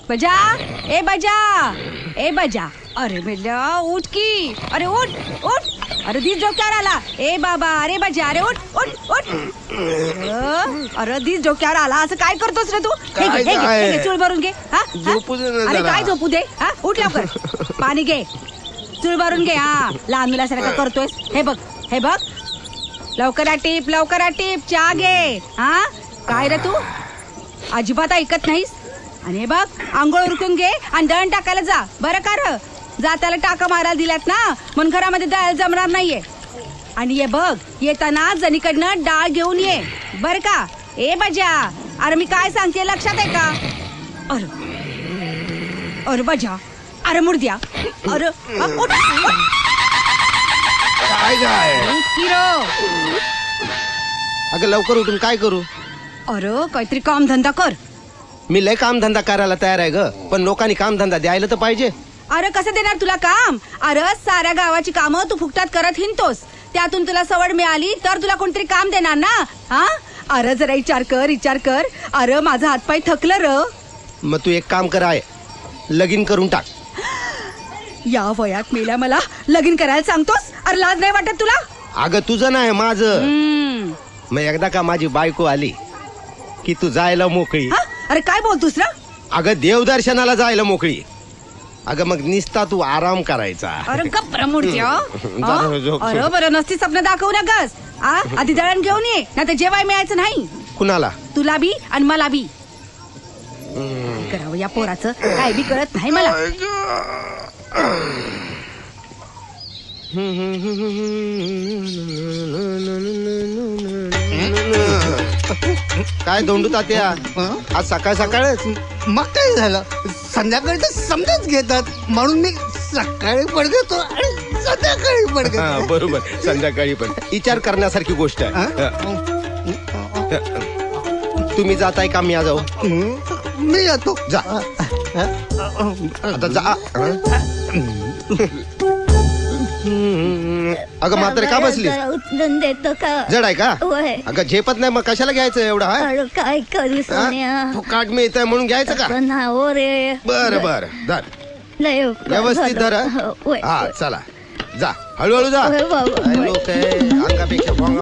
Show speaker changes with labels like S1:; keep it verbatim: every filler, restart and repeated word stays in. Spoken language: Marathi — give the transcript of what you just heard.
S1: बजा ए बजा ए बजा अरे बेटा उठ की अरे उठ उठ अरे दिस डोक्यावर आला ए बाबा अरे बजा अरे उठ उठ उठ अरे, अरे दिस डोक्यावर आला असं काय करतोस रे तू हे घे, हे घे, हे घे, चूळ भरून घे हा हा?
S2: झोपू दे ना
S1: अरे
S2: जरा.
S1: काय झोपू दे हा उठ लवकर पाणी घे चूळ भरून घे हा लहान मुलासारखं करतोयस हे बघ हे बघ लवकर आ टीप लवकर आ टीप चहा घे हा काय रे तू अजिबात ऐकत नाहीस आणि हे बघ आंघोळ उरकून घे आणि दळण टाकायला जा बरं का र जाताला टाका मारायला दिल्यात ना म्हणून घरामध्ये दळायला जमणार नाहीये आणि ये बघ येताना जणीकडनं डाळ घेऊन ये बर का ए बजा अरे मी काय सांगते लक्षात आहे का अरे अरे बजा अरे मुर्द्या अरे अ, उठ, उठ.
S2: काय काय
S1: उठ की रो.
S2: अगं लवकर उठून काय करू?
S1: अरे काहीतरी काम धंदा कर.
S2: मी लय काम धंदा करायला तयार आहे ग पण लोकांनी काम धंदा द्यायला तर पाहिजे.
S1: अरे कसं देणार तुला काम अरे साऱ्या गावाची कामं तू फुकटात करत हिंडतोस त्यातून तुला सवड मिळाली तर तुला कोणतरी काम देणार ना हा अरे जरा विचार कर विचार कर अरे माझा हातपाय थकलं र.
S2: मग तू एक काम कर आहे लगीन करून टाक.
S1: या वयात मेल्या मला लगीन करायला सांगतोस अरे लाज नाही वाटत तुला.
S2: अगं तुझं नाही माझं.
S1: हम्म.
S2: मग एकदा का माझी बायको आली की तू जायला मोकळी.
S1: हा? अरे काय बोलतोस ना
S2: अगं देवदर्शनाला जायला मोकळी. अगं मग निस्ता तू आराम करायचा.
S1: अरे गप्र मूर्त्या
S2: जरा झोप.
S1: अरे बरं नसती स्वप्न दाखवू नकस आ आधी दळण घेऊन ये ना तर जेवाय मिळायचं नाही
S2: कुणाला?
S1: तुला बी आणि मला बी. करावं या पोराचं काय बी कळत नाही मला.
S2: काय दोंडू तात्या आज सकाळ सकाळच.
S3: मग काय झालं संध्याकाळी तर समजाच घेतात म्हणून मी सकाळी पडतो आणि संध्याकाळी
S2: हा,
S3: पडतो.
S2: बरोबर संध्याकाळी पण विचार करण्यासारखी गोष्ट आहे. तुम्ही जाताय का मी आ जाऊ?
S3: मी येतो.
S2: जा आता जा. अगं म्हातारे का बसली?
S4: उचलून देतो का
S2: जड आहे का?
S4: होय.
S2: अगं झेपत नाही मग कशाला घ्यायचं एवढा? हा?
S4: अरे काय करू सोन्या
S2: फुकाट मिळतंय म्हणून घ्यायचं का?
S4: पण हो रे
S2: बर बर धर
S4: लय उपकार
S2: व्यवस्थित धर.
S4: झालं.
S2: हा
S4: होय,
S2: हा, चला जा हळूहळू जा.
S4: होय बाबा, होय.
S2: लोक अंगापेक्षा भोंगा